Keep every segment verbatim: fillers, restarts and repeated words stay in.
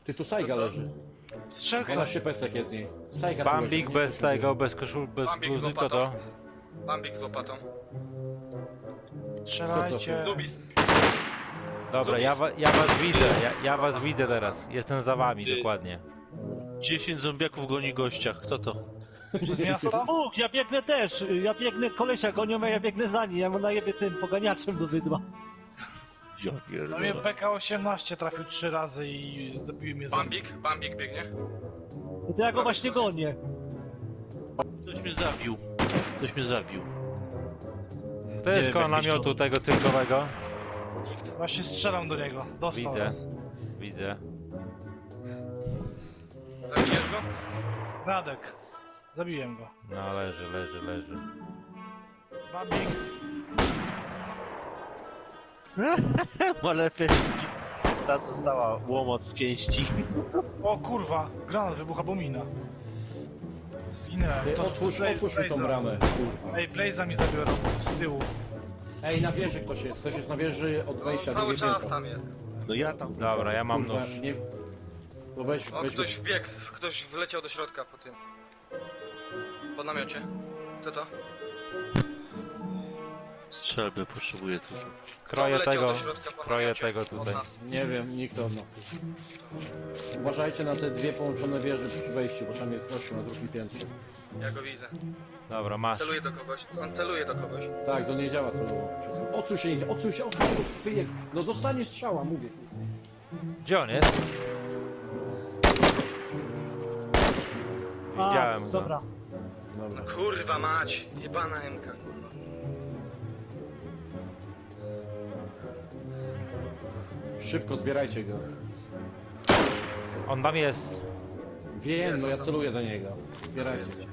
Ty tu Sajga leży. Strzelka. dwanaście pesek jest z niej. Sajga tu Bambik leży. bez tego, bez koszul, bez Bambik z bluzy, to łopatą. to. Bambik z łopatą. Strzelajcie. Lubis. Dobra, ja, wa, ja was widzę, ja, ja was widzę teraz. Jestem za wami, Ty. dokładnie. dziesięć zombiaków goni gościa, kto to? Z miasta? Dwóch, ja biegnę też, ja biegnę, kolesia gonią, a ja biegnę za nim, ja mu najebie tym poganiaczem do wydła. Ja No mnie pierdolę. P K osiemnaście trafił trzy razy i zabił mnie za... Bambik, Bambik biegnie. No to ja go właśnie gonię. Ktoś mnie zabił. Ktoś mnie zabił. To Nie jest wiem, koło jakiś namiotu czołg. tego cyrkowego. Nikt. Właśnie strzelam do niego. Dostał Widzę, raz. widzę. Zabijesz go? Radek. Zabiłem go. No leży, leży, leży. Bambik. Ma lepiej. Ta dostała łomot z pięści. O kurwa, granat wybucha, bo mina. Zginęłem. Ty To- otwórz, Blaze- otwórz mi tą Blaze'a. bramę. Kurwa. Ej, Blaze'a mi zabiorą z tyłu. Ej, na wieży ktoś jest. Ktoś jest na wieży od No, wejścia. cały drugie czas piętro. tam jest. No ja tam. Dobra, ja mam Kurwa, nóż. nie... To weź, O, weź ktoś wbiegł, ktoś wleciał do środka po tym. Po namiocie. Co to? Strzelby potrzebuję tu. Kroję wleciał tego, do środka po kroję namiocie tego od tutaj. nas. Nie wiem, nikt od nas. Uważajcie na te dwie połączone wieże przy wejściu, bo tam jest gościu na drugim piętrze. Ja go widzę. Dobra, masz. Celuje do kogoś. On celuje do kogoś. Tak, to nie działa celowo. Odsuń się, nie, odsuń się, odsuń się, wyjeb. No dostanie strzała, mówię. Gdzie on jest? A, Widziałem go. dobra. Dobra. No kurwa mać. Jebana M K, kurwa. Szybko zbierajcie go. On tam jest. Wiem, Jest no on ja tam. celuję do niego. Zbierajcie go.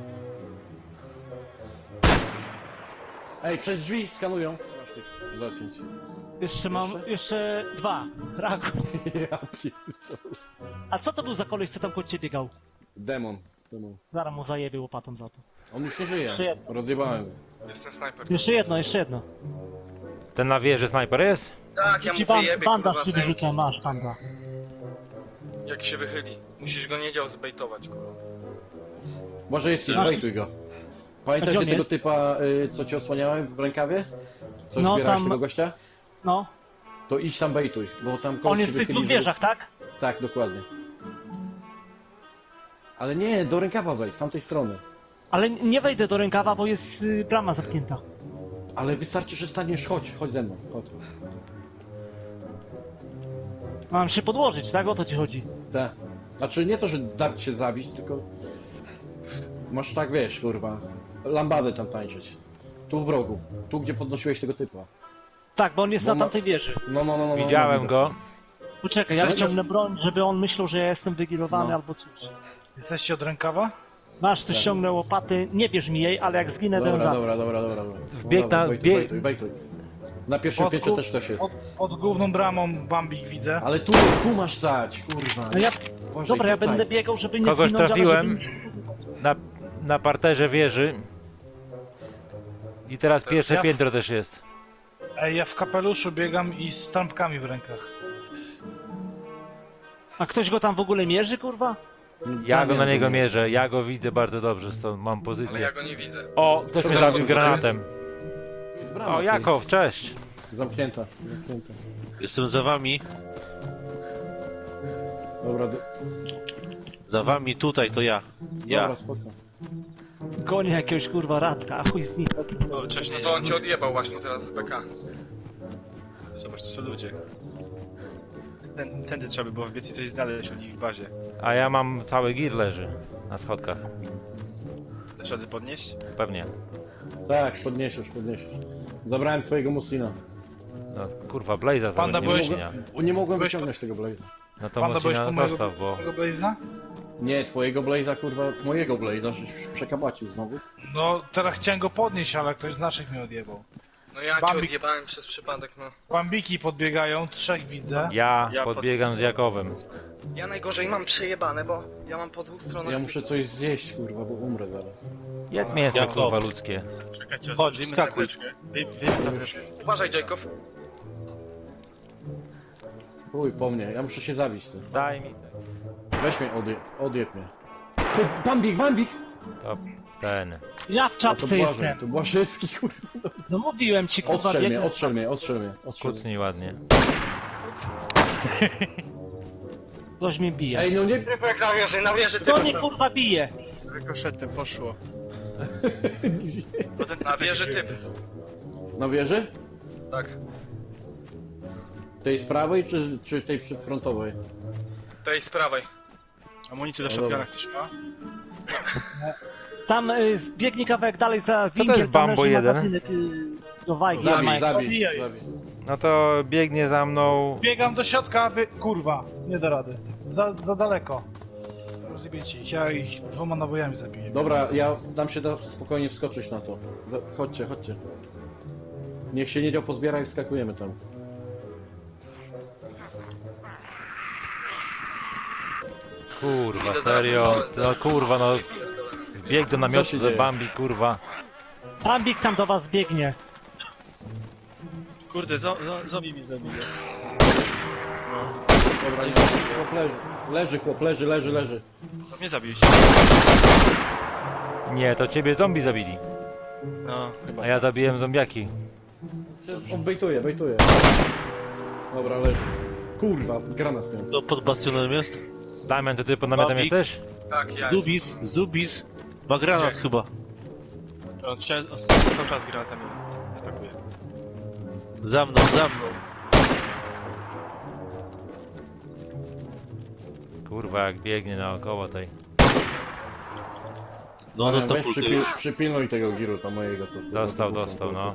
Ej, przez drzwi skanują. Masz tych zacięć. Jeszcze mam, Jeszcze? jeszcze dwa. Raku. Ja pierdolę. A co to był za koleś, co tam koło ciebie biegał? Demon. Demon. Zaraz mu zajebie łopatą za to. On już nie żyje. Jeszcze jedno. Rozjebałem go. Jestem snajper. Jeszcze jedno, jeszcze jedno. Ten na wieży snajper jest? Tak, ja mu Ci ban wyjebię, banda kurwa, ci z M K. wyrzucę, masz banda. Jak się wychyli. Musisz go nie dział zbejtować, kurwa. Może jest, Masz- zbejtuj go. A gdzie Pamiętacie on tego jest? typa, y, co ci osłaniałem w rękawie? Co No, zbierałeś tam- tego gościa? No. To idź tam bejtuj, bo tam kogoś On się jest w tych wychyli, dwóch żeby- wieżach, tak? Tak, dokładnie. Ale nie, do rękawa wejdź, z tamtej strony. Ale nie wejdę do rękawa, bo jest y, brama zamknięta. Ale wystarczy, że staniesz, chodź, chodź ze mną, chodź. Mam się podłożyć, tak? O to ci chodzi. Te. Znaczy nie to, że dać się zabić, tylko... Masz tak, wiesz, kurwa, lambadę tam tańczyć. Tu w rogu, tu gdzie podnosiłeś tego typa. Tak, bo on jest Bo na ma- tamtej wieży. No, no, no, no. Widziałem no, go. Poczekaj, ja Słuchaj, wyciągnę broń, żeby on myślał, że ja jestem wygilowany No. albo coś. Jesteście od rękawa? Masz, tu ściągnę łopaty, nie bierz mi jej, ale jak zginę, to ją Dobra, zabiję. dobra, dobra, dobra, dobra. Wbieg Dobra, na- Bejtuj, bieg- bejtuj, bejtuj. Na pierwszym Od piętrze gór- też ktoś jest. Od, od główną bramą Bambik widzę. Ale tu, tu masz stać, kurwa. No ja, Uważaj, dobra, ja tutaj. będę biegał, żeby nie Kogoś zginąć, trafiłem. ale żeby... Na, na parterze wieży. I teraz pierwsze Ja w- piętro też jest. Ej, ja w kapeluszu biegam i z trampkami w rękach. A ktoś go tam w ogóle mierzy, kurwa? Ja go na Damian niego był. mierzę, ja go widzę bardzo dobrze, stąd mam Ale ja pozycję. go nie widzę. O, ktoś mnie To zabił jest- granatem. Tu jest brama, O, tu Jakow, cześć. jest Zamknięta, zamknięta. Jestem za wami. Dobra, do... Za wami tutaj to ja. Ja. dobra, spoko. Gonię jakiegoś kurwa radka, a chuj z nim. No to on cię odjebał właśnie teraz z B K. Zobacz, to są ludzie. Ten, tędy trzeba by było wbiec i coś znaleźć u nich w bazie. A ja mam cały gir leży na schodkach. Dasz rady podnieść? Pewnie. Tak, podniesiesz, podniesiesz. Zabrałem twojego Muslina. No kurwa, Blaze'a Panda, zabrać nie byłeś- Musina. O, nie mogłem Byłeś wyciągnąć tego Blaze'a. No to Panda, byłeś Musina po mojego, dostaw, bo... tego Blaze'a? Nie, twojego Blaze'a, kurwa, mojego Blaze'a, żeś przekabacił znowu. No, teraz chciałem go podnieść, ale ktoś z naszych mnie odjebał. No ja cię Bambik. odjebałem przez przypadek, no. Bambiki podbiegają, trzech widzę. Ja Ja podbiegam z pod- Jakowem. Ja najgorzej mam przejebane, bo ja mam po dwóch stronach... Ja muszę coś zjeść, kurwa, bo umrę zaraz. Jedz mięso Jakow. kurwa ludzkie. Czekajcie, Chodź, zrobimy wskakuj. zapeczkę. Wy, wy zapeczkę. Uważaj, Jacob. Chuj po mnie, ja muszę się zabić ty. Daj mi. Weź mnie, odje, odjeb mnie. Ty, Bambik, Bambik! To ten. Ja w A to czapce Błażej, jestem. to Błażewski, kurwa. No mówiłem ci, kurwa, Ostrzel mnie, biegnę. ostrzel mnie, ostrzel mnie, ostrzel mnie. Kucnij ładnie. Ktoś mnie bije. Ej, no nie... Typek na wieży, na wieży, Kto mnie typek. kurwa bije? Rykoszetem poszło. Potem Na wieży typ. Na wieży? Tak. Tej z prawej, czy, czy tej przedfrontowej? Tej z prawej. Amunicję do No shotguna dobra. ktoś ma? Tam y, zbiegnie kawałek dalej za winkiem, jest tam Bambo leży jeden? magazynek y, do wajgi. Zabij, Mike. zabij, Zabijaj. zabij. No to biegnie za mną. Biegam do środka, aby... Kurwa, nie da rady. Za, za daleko. Rozjebiecie ich, ja ich dwoma nabojami zabiję. Dobra, ja dam się da spokojnie wskoczyć na to. Za- Chodźcie, chodźcie. Niech się nie pozbiera i wskakujemy tam. Kurwa, Idę serio. zaraz. No kurwa, no. Bieg do namiotu, się że dzieje? Bambi, kurwa. Bambik tam do was biegnie. Kurde, zo, zo, zombie mnie zabije. Dobra, nie, chłop leży. Leży, chłop, leży, leży, leży. To mnie zabiliście. Nie, to ciebie zombie zabili. No, chyba. A ja zabiłem zombiaki. On bejtuje, bejtuje. Dobra, leży. Kurwa, granat miał. To pod bastionem jest? Damian, to ty pod namiotem Bambik? jesteś? Tak, ja. Zubis, Zubis. Ma granat Gdzie? chyba. On trze- on cały czas granatami atakuje. Za mną, za mną. Kurwa, jak biegnie naokoło tej. No, Ale dostał weź kulkę przypil, już. przypilnuj tego giruta mojego. Co, Dostał, co- dostał, no.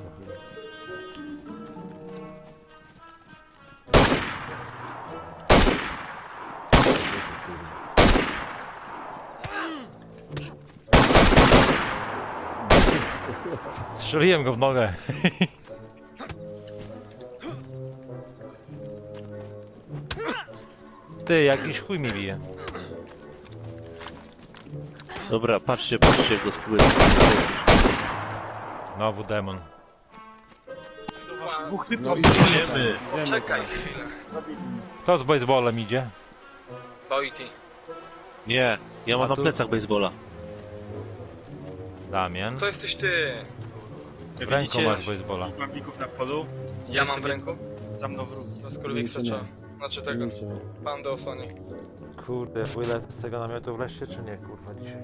Strzeliłem go w nogę. Ty, jakiś chuj mi bije. Dobra, patrzcie, patrzcie, jak go spróbuję. Znowu demon. Dwóch No typów. i Idziemy. Wiemy, Czekaj tak. chwilę. Kto z baseballem idzie? Boity. Nie, ja mam A na tu- plecach baseballa. Damian. To jesteś ty. Jak W ręku widzicie, masz baseballa. dwóch bambików na polu. Ja mam w sobie ręku. Za mną wróg. Na skurwiksa Nie, nie. trzeba. Znaczy tego. Nie, nie. Pan do osłoni. Kurde, wylec z tego namiotu wreszcie czy nie, kurwa, dzisiaj?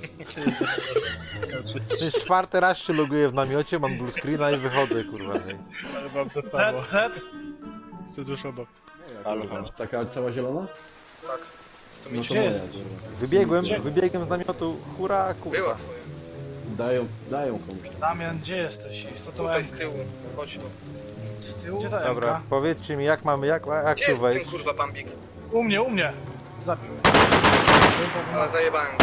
To jest czwarty raz się loguję w namiocie, mam blue screena i wychodzę, kurwa. nie? Ale mam to Z, samo. Z. Jestem tuż obok. Ale Taka cała zielona? Tak. sto No to Gdzie moja, jest? kurwa. Wybiegłem, wybiegłem z namiotu, hura, Była kurwa. twoja. Dają, dają komuś tam. Damian, gdzie jesteś? Jest to to Tutaj M. z tyłu. Chodź tu. Z tyłu? Gdzie ta Dobra, M-ka? powiedzcie mi jak mamy, jak, jak Gdzie tu jest ten wejść? kurwa bambik? U mnie, u mnie. Zabił. Ale zajebałem go.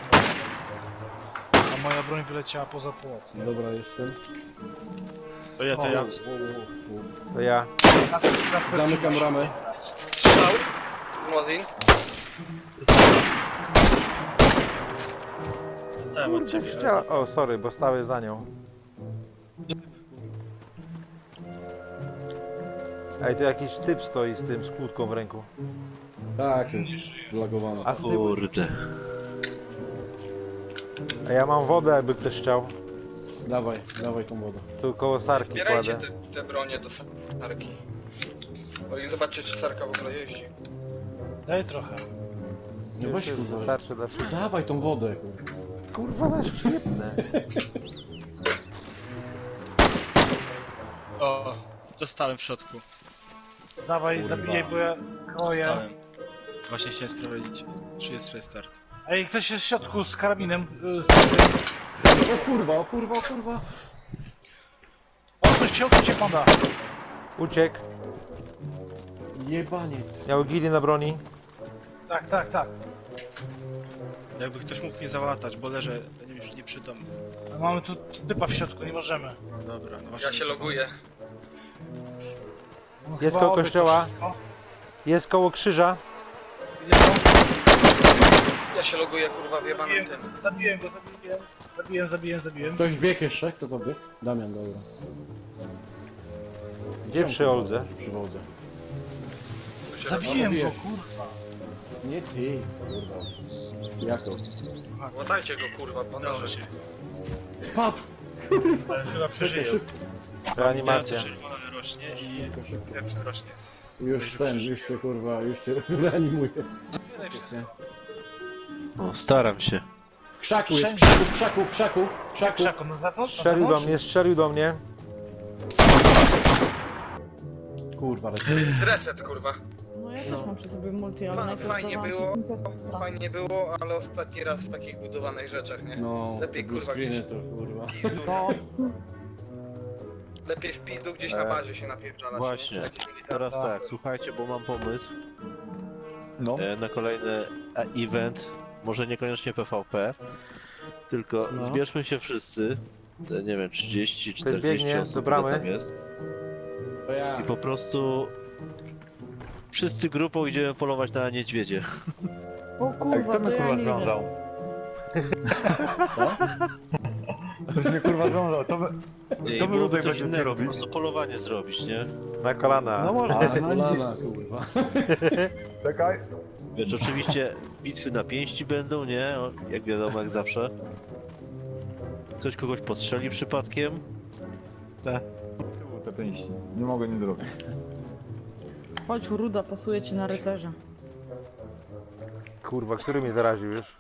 A moja broń wyleciała poza płot. Dobra, jestem. To ja, to ja. To ja. Kasper, Kasper, Zamykam ramę. Strzał. Mozin. Stałem od ciebie. Chciała... O, sorry, bo stały za nią. Ej, to jakiś typ stoi z tym, z kłódką w ręku. Tak, jest blagowana. A z tyłu... Kurde. A ja mam wodę, jakby ktoś chciał. Dawaj, dawaj tą wodę. Tu koło sarki Zbierajcie kładę. te, te bronie do sarki. O i zobaczcie czy sarka w ogóle jeździ. Daj trochę. Nie weź Jeszcze kurwa. Starczy dla wszystkich. Dawaj tą wodę, kurwa. Kurwa, na szczypne. O, dostałem w środku. Dawaj, Kurwa. zabijaj, bo ja kroję. Dostałem. Właśnie chciałem sprawdzić, czy jest restart. Ej, ktoś jest w środku z karabinem. y, Z... O kurwa, o kurwa, o kurwa. Odpuść się, odpuść się, panda. Uciekł. Jebaniec. Miał gili na broni. Tak, tak, tak. Jakby ktoś mógł mnie załatać, bo leżę nie, nieprzytomny. Mamy tu typa w środku, nie możemy. No dobra, no właśnie. Ja się loguję. No, Jest chyba koło oby to kościoła. wszystko. Jest koło krzyża. Idzie tam. Ja się loguję kurwa w jebanym Zabiłem, tym. zabiłem go, zabiłem. Zabiłem, zabiłem, zabiłem. Ktoś biegł jeszcze? Kto to biegł? Damian, dobra. Gdzie przy Oldze? Przy wodzie. się Zabiłem robi. go, kurwa. Nie ty, kurwa. Jako? robi. Łatajcie go, kurwa, Udało bandaże. się. Spadł! Ale chyba przeżyją. Reanimacja. Czerwona rośnie i krew rośnie. Już ten, już się kurwa, już się reanimuje. O, staram się. W krzaku jest, w krzaku, w krzaku, w krzaku, w krzaku. Krzaku, na zewnątrz? Na Strzelił do zewnątrz? mnie, strzelił do mnie. Kurwa, lecę. Reset, kurwa. No ja też mam przy sobie multi, ale Fa- najpierw fajnie dawałam było. ci Tinker'a. Fajnie było, ale ostatni raz w takich budowanych rzeczach, nie? No, Lepiej, te kurwa, bluescreeny gdzieś. to kurwa. No, Lepiej w pizdu gdzieś na bazie się napierdalać. Właśnie. nie? Jakiś militarny Teraz tak, afer. słuchajcie, bo mam pomysł No. e, na kolejny e, event. Może niekoniecznie P V P, tylko No. zbierzmy się wszyscy. Te, nie wiem, trzydzieści czterdzieści biegnie osób do bramy. ile tam jest. To ja. I po prostu wszyscy grupą idziemy polować na niedźwiedzie. o kurwa, to ja nie idę. Ktoś mnie kurwa związał, co wy... I To wy byłoby tutaj coś będziecie innego, robić? Po prostu polowanie zrobić, nie? Na kolana. No może. A, kolana, kurwa. Czekaj. Wiesz, oczywiście bitwy na pięści będą, nie? O, jak wiadomo, jak zawsze. Coś kogoś postrzeli przypadkiem. Tyłu te pięści. Nie mogę nie zrobić. Chodź, Ruda, pasuje ci na rycerza. Kurwa, który mnie zaraził już?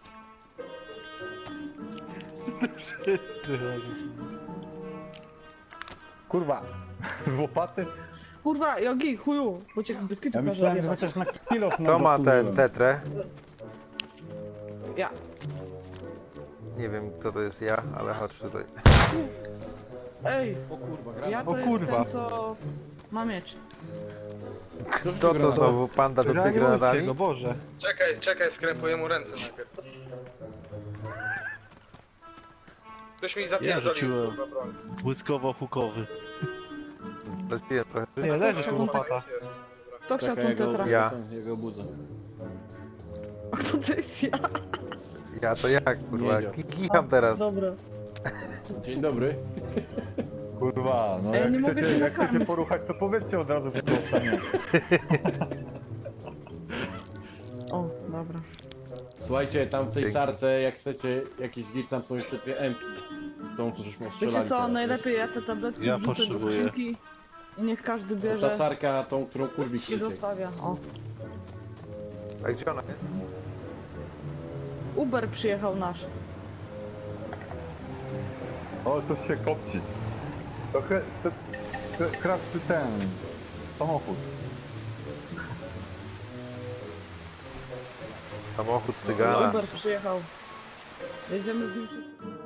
Kurwa. Z łopaty? Kurwa, Jogi, chuju, bo cię biskitu Ja każe myślałem, że odjebać. chociaż na kilof Kto ma ten tetrę? Ja. Nie wiem kto to jest ja, ale chodź tutaj. Ej, O kurwa, gra. ja to O jest kurwa. ten, co ma miecz. Kto to znowu panda do tych granatami? go, Boże. Czekaj, czekaj, skrępuję mu ręce najpierw. Ktoś mi Ja zapierdolił, rzuciłem. kurwa, broń. Błyskowo-hukowy. Lepiej trochę. Nie, leży tu Taką łopata. Jest, jest. Kto chciał Czekaj, tą ja go, tetra? Ja. ja go budzę. A kto to jest ja? Ja to jak kurwa? Nie wiem. Kicham teraz. Dobra. Dzień dobry. Kurwa, no Ej, jak nie mogę chcecie, cię jak chcecie nakarmić. poruchać, to powiedzcie od razu, kto ostanie. O, dobra. Słuchajcie, tam w tej Dzięki. sarce, jak chcecie jakiś git, tam są jeszcze dwie M. Tą, co żeśmy strzelali. Wiecie co, teraz. najlepiej ja te tabletki Ja wrzucę do potrzebuję. skrzynki i niech każdy Ta bierze sarka, tą, którą kurwik i kliknie. zostawia. O. A gdzie ona jest? Uber przyjechał nasz. O, coś się kopci. Trochę, to, to, krawcy ten, samochód. Samochód cygana. Uber przyjechał. Jedziemy z nim wszyscy.